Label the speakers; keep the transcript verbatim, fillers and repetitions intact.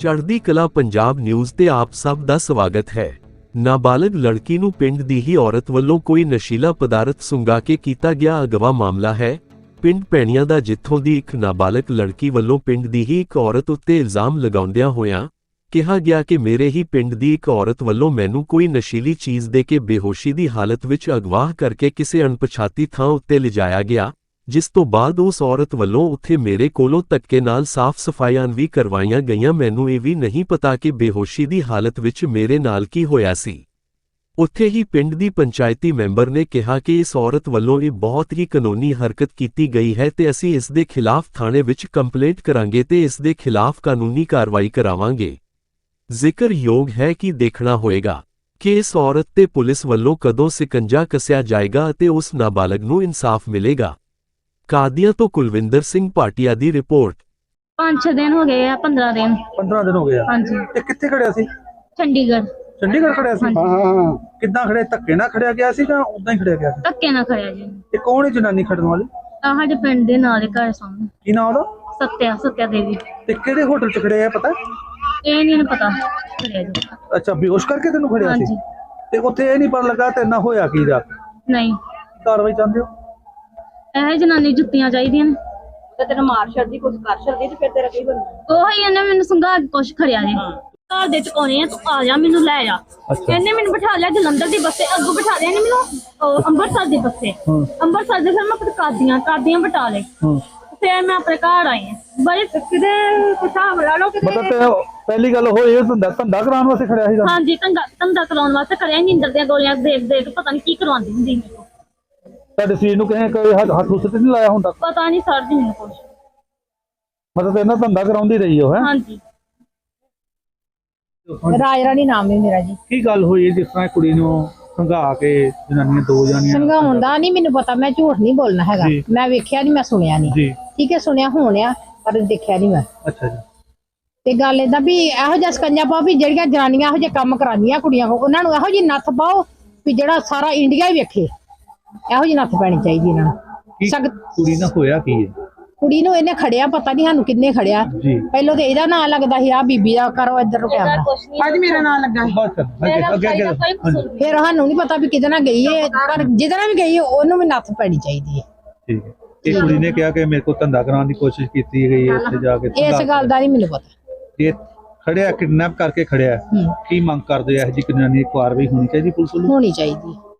Speaker 1: ਚੜ੍ਹਦੀ ਕਲਾ ਪੰਜਾਬ ਨਿਊਜ਼ ਤੇ ਆਪ ਸਭ ਦਾ ਸਵਾਗਤ ਹੈ। ਨਾਬਾਲਗ ਲੜਕੀ ਨੂੰ ਪਿੰਡ ਦੀ ਹੀ ਔਰਤ ਵੱਲੋਂ ਕੋਈ ਨਸ਼ੀਲਾ ਪਦਾਰਥ ਸੁੰਘਾ ਕੇ ਕੀਤਾ ਗਿਆ ਅਗਵਾ ਮਾਮਲਾ ਹੈ। ਪਿੰਡ ਪੈਣੀਆਂ ਦਾ ਜਿੱਥੋਂ ਦੀ ਇੱਕ ਨਾਬਾਲਗ ਲੜਕੀ ਵੱਲੋਂ ਪਿੰਡ ਦੀ ਹੀ ਇੱਕ ਔਰਤ ਉੱਤੇ ਇਲਜ਼ਾਮ ਲਗਾਉਂਦਿਆਂ ਹੋਇਆਂ ਕਿਹਾ ਗਿਆ ਕਿ ਮੇਰੇ ਹੀ ਪਿੰਡ ਦੀ ਇੱਕ ਔਰਤ ਵੱਲੋਂ ਮੈਨੂੰ ਕੋਈ ਨਸ਼ੀਲੀ ਚੀਜ਼ ਦੇ ਕੇ ਬੇਹੋਸ਼ੀ ਦੀ ਹਾਲਤ ਵਿੱਚ ਅਗਵਾ ਕਰਕੇ ਕਿਸੇ ਅਣਪਛਾਤੀ ਥਾਂ ਉੱਤੇ ਲਿਜਾਇਆ ਗਿਆ, ਜਿਸ ਤੋਂ ਬਾਅਦ ਉਸ ਔਰਤ ਵੱਲੋਂ ਉੱਥੇ ਮੇਰੇ ਕੋਲੋਂ ਧੱਕੇ ਨਾਲ ਸਾਫ਼ ਸਫਾਈਆਂ ਵੀ ਕਰਵਾਈਆਂ ਗਈਆਂ। ਮੈਨੂੰ ਇਹ ਵੀ ਨਹੀਂ ਪਤਾ ਕਿ ਬੇਹੋਸ਼ੀ ਦੀ ਹਾਲਤ ਵਿੱਚ ਮੇਰੇ ਨਾਲ ਕੀ ਹੋਇਆ ਸੀ। ਉੱਥੇ ਹੀ ਪਿੰਡ ਦੀ ਪੰਚਾਇਤੀ ਮੈਂਬਰ ਨੇ ਕਿਹਾ ਕਿ ਇਸ ਔਰਤ ਵੱਲੋਂ ਇਹ ਬਹੁਤ ਹੀ ਕਾਨੂੰਨੀ ਹਰਕਤ ਕੀਤੀ ਗਈ ਹੈ ਤੇ ਅਸੀਂ ਇਸ ਦੇ ਖਿਲਾਫ ਥਾਣੇ ਵਿੱਚ ਕੰਪਲੇਂਟ ਕਰਾਂਗੇ ਤੇ ਇਸ ਦੇ ਖਿਲਾਫ ਕਾਨੂੰਨੀ ਕਾਰਵਾਈ ਕਰਾਵਾਂਗੇ। ਜ਼ਿਕਰਯੋਗ ਹੈ ਕਿ ਦੇਖਣਾ ਹੋਏਗਾ ਕਿ ਇਸ ਔਰਤ ਤੇ ਪੁਲਿਸ ਵੱਲੋਂ ਕਦੋਂ ਸਿਕੰਜਾ ਕੱਸਿਆ ਜਾਏਗਾ ਅਤੇ ਉਸ ਨਾਬਾਲਗ ਨੂੰ ਇਨਸਾਫ ਮਿਲੇਗਾ। ਕਾਦੀਆਂ ਤੋਂ ਕੁਲਵਿੰਦਰ ਸਿੰਘ ਭਾਟੀਆ ਦੀ ਰਿਪੋਰਟ।
Speaker 2: पांच छह दिन हो गए पंद्रह दिन
Speaker 3: पंद्रह दिन हो गए।
Speaker 2: हाँ जी।
Speaker 3: ते कित्थे खड़िया सी?
Speaker 2: चंडीगढ़।
Speaker 3: चंडीगढ़ खड़िया सी?
Speaker 2: हाँ
Speaker 3: हाँ। किद्दां खड़े धक्के ना खड़िया गया सी जां उदां ही खड़िया गया सी?
Speaker 2: धक्के ना खड़िया जी।
Speaker 3: ते कौन है जनानी खड़न वाली?
Speaker 2: आ साडे पिंड दे नाल घर सामने।
Speaker 3: की नाम ओदा?
Speaker 2: सत्या सत्या देवी।
Speaker 3: ते किहड़े होटल च खड़े है पता?
Speaker 2: ਇਹ ਨਹੀਂ ਇਹਨੂੰ ਪਤਾ ਖੜਿਆ ਜੀ।
Speaker 3: अच्छा बेहोश करके तेनू खड़िया सी?
Speaker 2: ਹਾਂਜੀ।
Speaker 3: ते उत्थे ਇਹ ਨਹੀਂ ਪਤਾ ਲੱਗਾ ਤੇ ਨਾ ਹੋਇਆ ਕੀ ਰਾਤ?
Speaker 2: ਨਹੀਂ
Speaker 3: ਕਾਰਵਾਈ ਚਾਹੁੰਦੇ ਹੋ?
Speaker 2: ਇਹ ਜਨਾਨੀ ਜੁੱਤੀਆਂ ਚਾਹੀਦੀਆਂ ਨੇ
Speaker 4: ਤੇ ਤੈਨੂੰ ਮਾਰ ਛੱਡਦੀ ਕੁਝ ਕਰ ਛੱਡਦੀ ਤੇ ਫਿਰ ਤੇਰਾ ਕੀ ਬਣੂ?
Speaker 2: ਉਹ ਹੀ ਇਹਨੇ ਮੈਨੂੰ ਸੰਘਾ ਕੇ ਕੁਛ ਖੜਿਆ ਜੀ। ਘਰ ਦੇ ਚੁਕਾਉਣੇ ਆ, ਤੂੰ ਆ ਜਾ ਮੈਨੂੰ ਲੈ ਜਾ। ਇਹਨੇ ਮੈਨੂੰ ਬਿਠਾ ਲਿਆ ਜਲੰਧਰ ਦੀ ਬੱਸੇ, ਅੱਗੋਂ ਬਿਠਾ ਲਿਆ ਇਹਨੇ ਮੈਨੂੰ ਉਹ ਅੰਮ੍ਰਿਤਸਰ ਦੀ ਬੱਸੇ। ਅੰਮ੍ਰਿਤਸਰ ਦੇ ਫਿਰ ਮੈਂ ਫਿਰ ਕਾਦੀਆਂ ਕਾਦੀਆਂ ਬਿਠਾ ਲਏ। ਫਿਰ ਮੈਂ ਆਪਣੇ ਘਰ ਆਈ ਹਾਂ। ਬੜੇ ਕਿਤੇ ਹਿਸਾਬ ਲਾ ਲਓ ਕਿ
Speaker 3: ਮਤਲਬ ਪਹਿਲੀ ਗੱਲ ਉਹ ਇਹ ਧੰਦਾ ਧੰਦਾ ਕਰਾਉਣ ਵਾਸਤੇ ਖੜਿਆ ਸੀ?
Speaker 2: ਹਾਂਜੀ ਧੰਦਾ ਧੰਦਾ ਕਰਾਉਣ ਵਾਸਤੇ ਖੜਿਆ। ਨੀਂਦਰ ਦੀਆਂ ਗੋਲੀਆਂ ਦੇਖ ਦੇਖ ਪਤਾ ਨਹੀਂ ਕੀ ਕਰਵਾਉਂਦੀ ਹੁੰਦੀ ਸੀ।
Speaker 3: ਤੁਹਾਡੇ ਸਰੀਰ ਨੂੰ ਕਿਸੇ ਕੋਈ ਹੱਥ ਹੁੱਥ ਤੇ ਨਹੀਂ ਲਾਇਆ ਹੁੰਦਾ?
Speaker 2: ਪਤਾ ਨਹੀਂ ਸਰ ਜੀ ਮੈਨੂੰ ਕੁਛ।
Speaker 3: ਮਤਲਬ ਇਹਨਾਂ ਧੰਦਾ ਕਰਾਉਂਦੀ ਰਹੀ ਹੋ? ਹੈ
Speaker 2: ਹਾਂਜੀ।
Speaker 4: ਰਾਜ ਰਾਣੀ ਨਾਮ ਹੈ ਮੇਰਾ ਜੀ।
Speaker 3: ਕੀ ਗੱਲ ਹੋਈ ਜਿਸ ਤਰ੍ਹਾਂ ਕੁੜੀ ਨੂੰ ਸੰਘਾ ਕੇ ਜਨਾਨੀਆਂ ਦੋ ਜਨਾਨੀਆਂ
Speaker 4: ਸੰਘਾਉਣ ਦਾ ਨਹੀਂ ਮੈਨੂੰ ਪਤਾ, ਮੈਂ ਝੂਠ ਨਹੀਂ ਬੋਲਣਾ ਹੈਗਾ। ਮੈਂ ਵੇਖਿਆ ਨਹੀਂ, ਮੈਂ ਸੁਣਿਆ ਨਹੀਂ।
Speaker 3: ਜੀ
Speaker 4: ਠੀਕ ਹੈ, ਸੁਣਿਆ ਹੋਣਿਆ ਪਰ ਦੇਖਿਆ ਨਹੀਂ ਮੈਂ।
Speaker 3: ਅੱਛਾ ਜੀ।
Speaker 4: ਤੇ ਗੱਲ ਏਦਾਂ ਵੀ ਇਹੋ ਜਿਹਾ ਸਕੰਜਾ ਪਾਓ ਵੀ ਜਿਹੜੀਆਂ ਜਨਾਨੀਆਂ ਇਹੋ ਜਿਹੇ ਕੰਮ ਕਰਾਉਂਦੀਆਂ ਕੁੜੀਆਂ ਕੋਲ, ਉਹਨਾਂ ਨੂੰ ਇਹੋ ਜਿਹੀ ਨੱਥ ਪਾਓ ਵੀ ਜਿਹੜਾ ਸਾਰਾ ਇੰਡੀਆ ਹੀ ਵੇਖੇ। ਇਹੋ ਜਿਹੀ ਨੱਥ ਪੈਣੀ ਚਾਹੀਦੀ ਇਹਨਾਂ ਨੂੰ। ਸਖਤ
Speaker 3: ਕੁੜੀ ਨਾਲ ਹੋਇਆ ਕੀ ਹੈ?
Speaker 4: ਕੁੜੀ ਨੂੰ ਇਹਨੇ ਖੜਿਆ, ਪਤਾ ਨਹੀਂ ਸਾਨੂੰ ਕਿੰਨੇ ਖੜਿਆ। ਪਹਿਲਾਂ ਤੇ ਇਹਦਾ ਨਾਂ ਲੱਗਦਾ ਸੀ, ਆ ਬੀਬੀ ਦਾ ਕਰੋ ਇੱਧਰ ਕੈਮਰਾ।
Speaker 2: ਅੱਜ ਮੇਰਾ ਨਾਮ ਲੱਗਾ
Speaker 4: ਫਿਰ ਸਾਨੂੰ ਨਹੀਂ ਪਤਾ ਵੀ ਕਿਹਦੇ ਨਾਲ ਗਈ ਹੈ, ਪਰ ਜਿਹਦੇ ਨਾਲ ਵੀ ਗਈ ਹੈ ਉਹਨੂੰ ਵੀ ਨੱਥ ਪੈਣੀ ਚਾਹੀਦੀ ਹੈ।
Speaker 3: ਠੀਕ ਹੈ। ਇਹ ਕੁੜੀ ਨੇ ਕਿਹਾ ਕਿ ਮੇਰੇ ਕੋਲ ਧੰਦਾ ਕਰਾਉਣ ਦੀ ਕੋਸ਼ਿਸ਼ ਕੀਤੀ ਗਈ ਹੈ, ਉੱਥੇ ਜਾ ਕੇ
Speaker 4: ਇਸ ਗੱਲ ਦਾ ਨਹੀਂ ਮੈਨੂੰ ਪਤਾ।
Speaker 3: ਇਹ ਖੜਿਆ ਕਿਡਨੈਪ ਕਰਕੇ ਖੜਿਆ, ਕੀ ਮੰਗ ਕਰਦੇ ਆ? ਇਹੋ ਜਿਹੀ ਕਾਨੂੰਨੀ ਕਾਰਵਾਈ ਹੋਣੀ ਚਾਹੀਦੀ ਪੁਲਿਸ ਵੱਲੋਂ?
Speaker 4: ਹੋਣੀ ਚਾਹੀਦੀ।